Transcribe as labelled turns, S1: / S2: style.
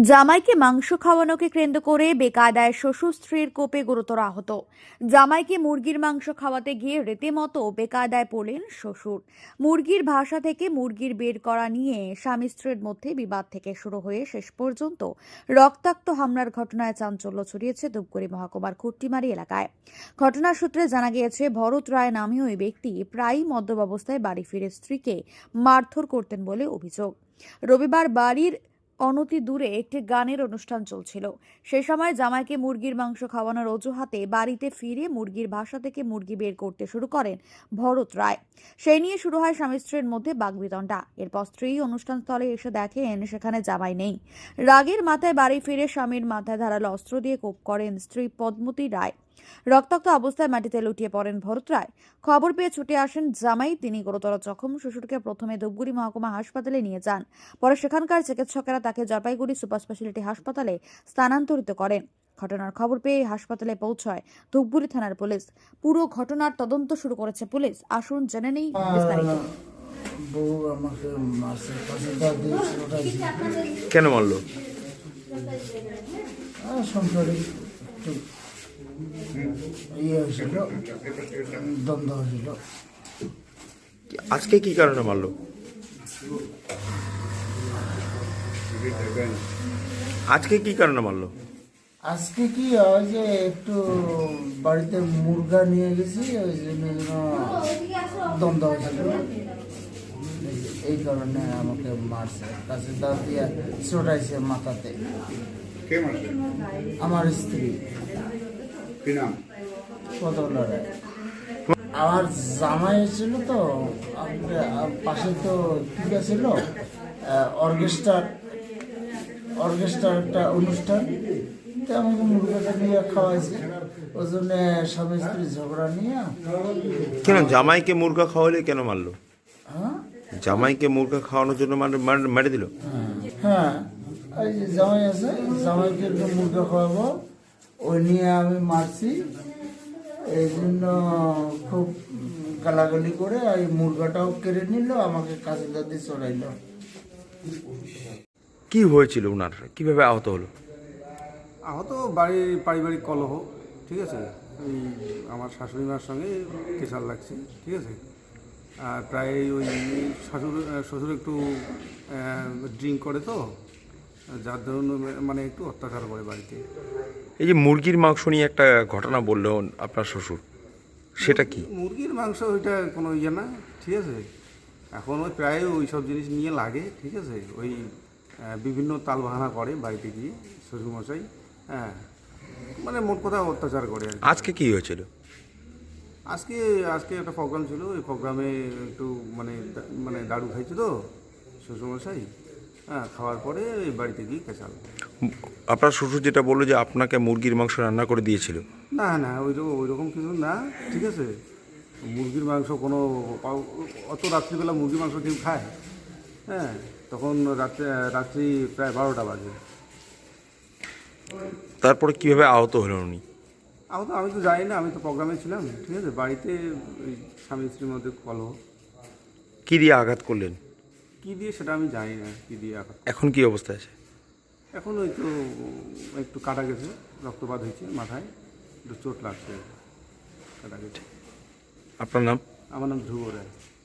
S1: জামাইকে মাংস খাওয়ানোকে কেন্দ্র করে বেকায়দায় শ্বশুর স্ত্রীর কোপে গুরুতর আহত। জামাইকে মুরগির মাংস খাওয়াতে গিয়ে রীতিমতো বেকায়দায় পড়লেন শ্বশুর। মুরগির ভাষা থেকে মুরগির বের করা নিয়ে স্বামী স্ত্রীর মধ্যে বিবাদ থেকে শুরু হয়ে শেষ পর্যন্ত রক্তাক্ত হামলার ঘটনায় চাঞ্চল্য ছড়িয়েছে ধূপগুড়ি মহকুমার খুট্টিমারি এলাকায়। ঘটনার সূত্রে জানা গিয়েছে, ভরত রায় নামীয় ওই ব্যক্তি প্রায়ই মদ্যপ অবস্থায় বাড়ি ফিরে স্ত্রীকে মারধর করতেন বলে অভিযোগ। রবিবার বাড়ির অনতি দূরে একটি গানের অনুষ্ঠান চলছিল। সেই সময় জামাইকে মুরগির মাংস খাওয়ানোর অজুহাতে বাড়িতে ফিরে মুরগির ভাষা থেকে মুরগি বের করতে শুরু করেন ভরত রায়। সেই নিয়ে শুরু হয় স্বামী স্ত্রীর মধ্যে বাগবিতণ্ডা। এরপর স্ত্রী অনুষ্ঠানস্থলে এসে দেখেন সেখানে জামাই নেই। রাগের মাথায় বাড়ি ফিরে স্বামীর মাথায় ধারালো অস্ত্র দিয়ে কোপ করেন স্ত্রী পদ্মতী রায়। রক্তাক্ত অবস্থায় মাটিতে লুটিয়ে পড়েন ভরত রায়। খবর পেয়ে ছুটে আসেন জামাই, তিনি গুরুতর জখম। শ্বশুরকে প্রথমে ধূপগুড়ি মহকুমা হাসপাতালে নিয়ে যান, পরে সেখানকার চিকিৎসকেরা তাকে জলপাইগুড়ি সুপার স্পেশালিটি হাসপাতালে স্থানান্তরিত করেন। ঘটনার খবর পেয়ে হাসপাতালে পৌঁছায় ধূপগুড়ি থানার পুলিশ। পুরো ঘটনার তদন্ত শুরু করেছে পুলিশ। আসুন জেনে নেই বিস্তারিত।
S2: কেন মারলো?
S3: দ্বন্দ্ব হয়েছিল।
S2: আজকে কি কারণে মারলো? আজকে কি কারণে মারলো?
S3: আজকে কি হয় যে একটু বাড়িতে মুরগা নিয়ে গেছি, ওই জন্য দ্বন্দ্ব হয়েছিল। এই কারণে আমাকে মারছে, কাছে দাঁত দিয়ে চটাইছে মাথাতে। আমার স্ত্রী পদ্মতী রায়। আমার জামাই ছিল তো পাশে, তো ঠিক ছিল অর্কেস্ট্রার একটা অনুষ্ঠান, তো আমাকে মুরগাটা নিয়ে খাওয়াইছে। ওই জন্য স্বামী স্ত্রী ঝগড়া নিয়ে।
S2: কেন জামাইকে মুরগা খাওয়ালে কেন মারলো?
S3: হ্যাঁ,
S2: জামাইকে মুরগা খাওয়ানোর জন্য মেরে দিল?
S3: হ্যাঁ, এই যে জামাই আছে, জামাইকে একটু মুরগা খাওয়াবো, ওই নিয়ে আমি মারছি। এই জন্য খুব গালাগালি করে এই মুরগাটাও কেড়ে নিল, আমাকে কাছে দাদি চড়াইল।
S2: কি হয়েছিল ওনার? কিভাবে আহত হলো?
S4: আহত বাড়ির পারিবারিক কলহ, ঠিক আছে। ওই আমার শাশুড়ি মার সঙ্গে কেশাল লাগছে, ঠিক আছে। আর প্রায় ওই শ্বশুর একটু ড্রিঙ্ক করে, তো যার ধরুন মানে একটু অত্যাচার করে বাড়িতে।
S2: এই যে মুরগির মাংস নিয়ে একটা ঘটনা বললেন আপনার শ্বশুর, সেটা কি?
S4: মুরগির মাংস ওইটা কোনো ইয়ে না, ঠিক আছে। এখন ওই প্রায় ওই সব জিনিস নিয়ে লাগে, ঠিক আছে। ওই বিভিন্ন তাল বাহানা করে বাড়িতে গিয়ে শ্বশুরমশাই, হ্যাঁ, মানে মোট কথা অত্যাচার করে আর কি।
S2: আজকে কি হয়েছিল?
S4: আজকে একটা প্রোগ্রাম ছিল, ওই প্রোগ্রামে একটু মানে দারু খাইছে তো শ্বশুরমশাই, হ্যাঁ। খাওয়ার পরে ওই বাড়িতে গিয়ে কেঁচাল।
S2: আপনার শ্বশুর যেটা বললো যে আপনাকে মুরগির মাংস রান্না করে দিয়েছিল?
S4: না, ওই রকম কিছু না, ঠিক আছে। মুরগির মাংস কোনো অত রাত্রিবেলা মুরগির মাংস কেউ খায়? হ্যাঁ, তখন রাত্রি প্রায় 12টা বাজে।
S2: তারপরে কিভাবে আহত হলেন উনি?
S4: আমি তো জানি না, আমি তো প্রোগ্রামে ছিলাম, ঠিক আছে। বাড়িতে ওই স্বামী স্ত্রীর মধ্যে কলহ।
S2: কি দিয়ে আঘাত করলেন?
S4: কী দিয়ে সেটা আমি জানি না, কী দিয়ে আঘাত।
S2: এখন কি অবস্থায় আছে?
S4: এখন ওই তো একটু কাটা গেছে, রক্তপাত হয়েছে মাথায়, একটু চোট লাগছে, কাটা গেছে।
S2: আপনার নাম?
S4: আমার নাম ধ্রুব রায়।